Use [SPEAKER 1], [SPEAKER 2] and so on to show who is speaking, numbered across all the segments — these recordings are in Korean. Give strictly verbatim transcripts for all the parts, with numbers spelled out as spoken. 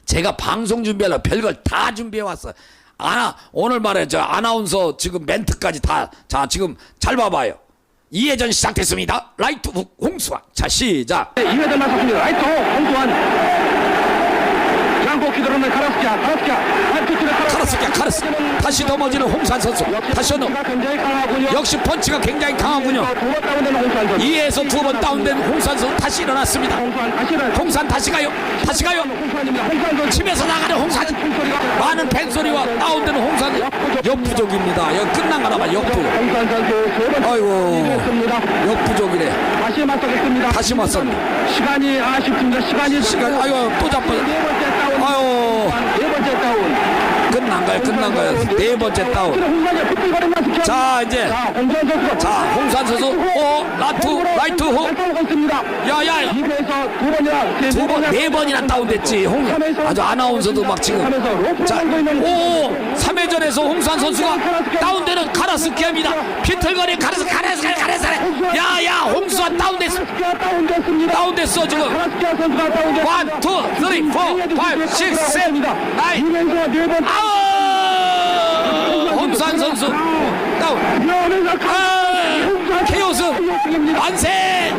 [SPEAKER 1] 제가 방송 준비하려고 별걸 다 준비해 왔어. 아나 오늘 말에 저 아나운서 지금 멘트까지 다. 자 지금 잘 봐봐요. 이 회전 시작됐습니다. 라이트 훅 홍수환. 자 시작.
[SPEAKER 2] 이 회전 맞췄습니다. 라이트 훅 홍수환. 장고키 들어오는 카라스키아. 카라스키아.
[SPEAKER 1] 카라스키아 카라스. 다시 넘어지는 홍수환 선수. 다시 넘어. 역시 펀치가 굉장히 강하군요. 이에서 두 번 다운된 홍수환 선수 다시 일어났습니다. 홍수환 다시 가요. 다시 가요. 집에서 나가는 홍수환. 많은 팬소리와 다운되는 홍수환. 역부족입니다. 여기 끝난 거나 봐. 역부족. 아이고 역부족이래.
[SPEAKER 2] 다시 맞서겠습니다.
[SPEAKER 1] 다시 맞섰네.
[SPEAKER 2] 시간이 아쉽습니다. 시간이
[SPEAKER 1] 시간 아이고 또 잡아.
[SPEAKER 2] 네 번째 다운.
[SPEAKER 1] 아유
[SPEAKER 2] 네 번째 다운.
[SPEAKER 1] 끝난 거야 끝난 거야. 네 번째 다운. 자 이제 자 홍수환 선수 오 라투 라이트 호 야야 두번네 번이나 다운됐지. 홍 아주 아나운서도 막 지금 자오 삼 회전에서 홍수환 선수가 다운되는 카라스키아입니다. 비틀거리 카라스 카라스 카라스 야야 홍수환 다운됐어. 다운됐어 지금 원, 투, 쓰리, 포, 파이브, 식스, 세븐, 나인 아우 홍수환 선수 다운. 아 케오스 만세.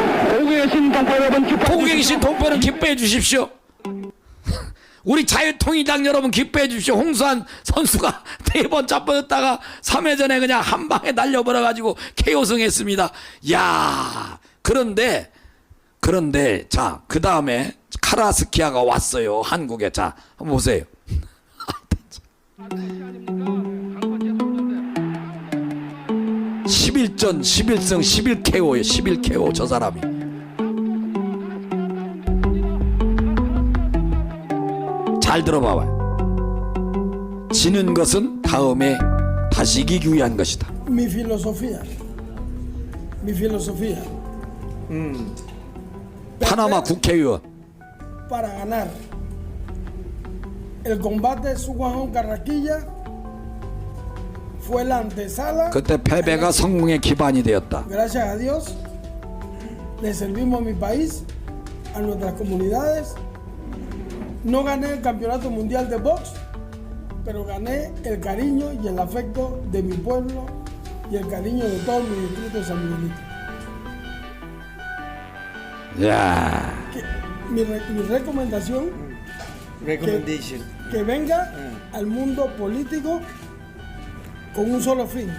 [SPEAKER 1] 보고 계신 동포는 기뻐해 주십시오. 우리 자유통일당 여러분 기뻐해 주십시오. 홍수환 선수가 네 번 잡아졌다가 삼 회전에 그냥 한 방에 날려버려 가지고 케오승 했습니다. 야 그런데 그런데 자 그 다음에 카라스키아가 왔어요 한국에. 자 한번 보세요. 십일 전 십일 승 십일 케오예요. 십일 케오 저 사람이. 잘 들어봐봐요. 지는 것은 다음에 다시 이기기 위한 것이다.
[SPEAKER 3] Mi filosofía, mi filosofía
[SPEAKER 1] 음. 파나마 국회의원.
[SPEAKER 3] para ganar el combate Suguajón Carrasquilla fue la antesala.
[SPEAKER 1] 그때 패배가 성공의 기반이 되었다.
[SPEAKER 3] Gracias a Dios le servimos a mi país, a nuestras comunidades. No gané el campeonato mundial de box, pero gané el cariño y el afecto de mi pueblo y el cariño de todo mi distrito de San Miguelito.
[SPEAKER 1] 야.
[SPEAKER 3] Que, mi, re, mi recomendación,
[SPEAKER 4] Recommendation.
[SPEAKER 3] que, que venga mm. al mundo político con un solo fin,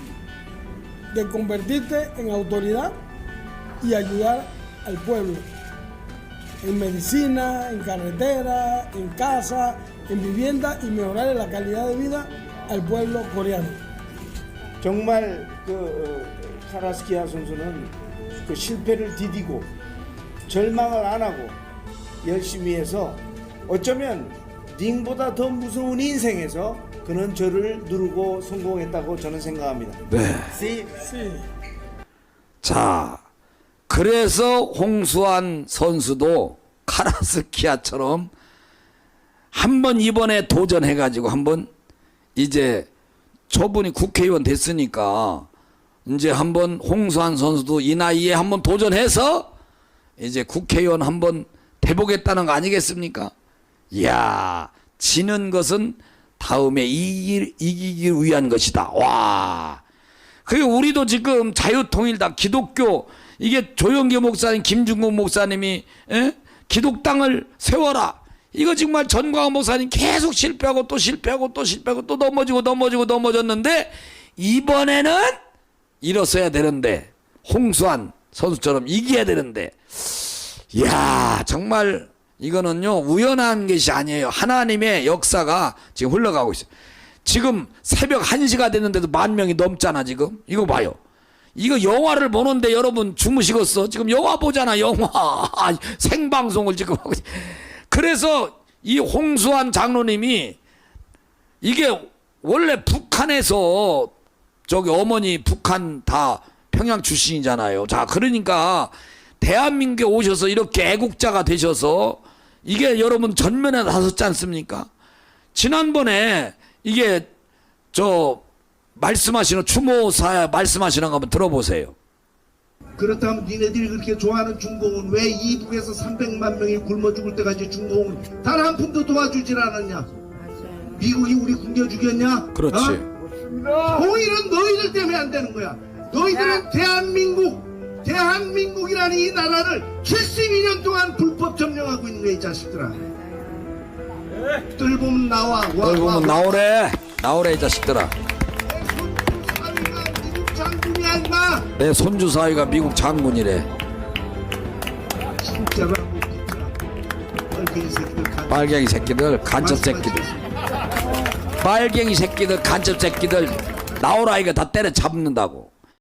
[SPEAKER 3] de convertirte en autoridad y ayudar al pueblo. En medicina, en carretera, en casa, en vivienda y mejorar la calidad de vida al pueblo coreano.
[SPEAKER 4] 정말 그 어, 카라스키아 선수는 그 실패를 디디고 절망을 안 하고 열심히 해서 어쩌면 링보다 더 무서운 인생에서 그는 저를 누르고 성공했다고 저는 생각합니다.
[SPEAKER 1] 네.
[SPEAKER 4] See?
[SPEAKER 3] Sí.
[SPEAKER 1] 자, 그래서 홍수환 선수도 카라스키아처럼 한번 이번에 도전해가지고 한번 이제 저분이 국회의원 됐으니까 이제 한번 홍수환 선수도 이 나이에 한번 도전해서 이제 국회의원 한번 돼보겠다는 거 아니겠습니까? 이야, 지는 것은 다음에 이기, 이기기 위한 것이다. 와, 그리고 우리도 지금 자유통일당 기독교 이게 조영기 목사님, 김중국 목사님이 에? 기독당을 세워라. 이거 정말 전광훈 목사님 계속 실패하고 또 실패하고 또 실패하고 또 넘어지고 넘어지고 넘어졌는데 이번에는 일어서야 되는데 홍수환 선수처럼 이겨야 되는데 이야 정말 이거는요 우연한 것이 아니에요. 하나님의 역사가 지금 흘러가고 있어요. 지금 새벽 한 시가 됐는데도 만 명이 넘잖아 지금. 이거 봐요. 이거 영화를 보는데 여러분 주무시겠어? 지금 영화 보잖아 영화. 생방송을 지금 하고. 그래서 이 홍수환 장로님이 이게 원래 북한에서 저기 어머니 북한 다 평양 출신이잖아요. 자 그러니까 대한민국에 오셔서 이렇게 애국자가 되셔서 이게 여러분 전면에 나섰지 않습니까? 지난번에 이게 저 말씀하시는 추모사 말씀하시는 거 한번 들어보세요.
[SPEAKER 5] 그렇다면 니네들이 그렇게 좋아하는 중공은 왜 이북에서 삼백만 명이 굶어 죽을 때까지 중공은 단 한 푼도 도와주질 않았냐? 미국이 우리 굶겨 죽였냐?
[SPEAKER 1] 그렇지.
[SPEAKER 5] 어? 오히려 너희들 때문에 안 되는 거야. 너희들은 대한민국, 대한민국이라는 이 나라를 칠십이 년 동안 불법 점령하고 있는 거야, 이 자식들아. 뜰 보면 나와. 와,
[SPEAKER 1] 널
[SPEAKER 5] 와,
[SPEAKER 1] 보면
[SPEAKER 5] 와.
[SPEAKER 1] 나오래. 나오래 이 자식들아.
[SPEAKER 5] 사위가 미국 장군이야, 임마.
[SPEAKER 1] 내 손주 사위가 미국 장군이래.
[SPEAKER 5] 진짜로 하고 진짜. 빨갱이 새끼들 간-
[SPEAKER 1] 빨갱이 새끼들, 간첩 새끼들.
[SPEAKER 5] 말씀하시겠습니다.
[SPEAKER 1] 빨갱이 새끼들, 간첩 새끼들 나오라 이거 다 때려 잡는다고.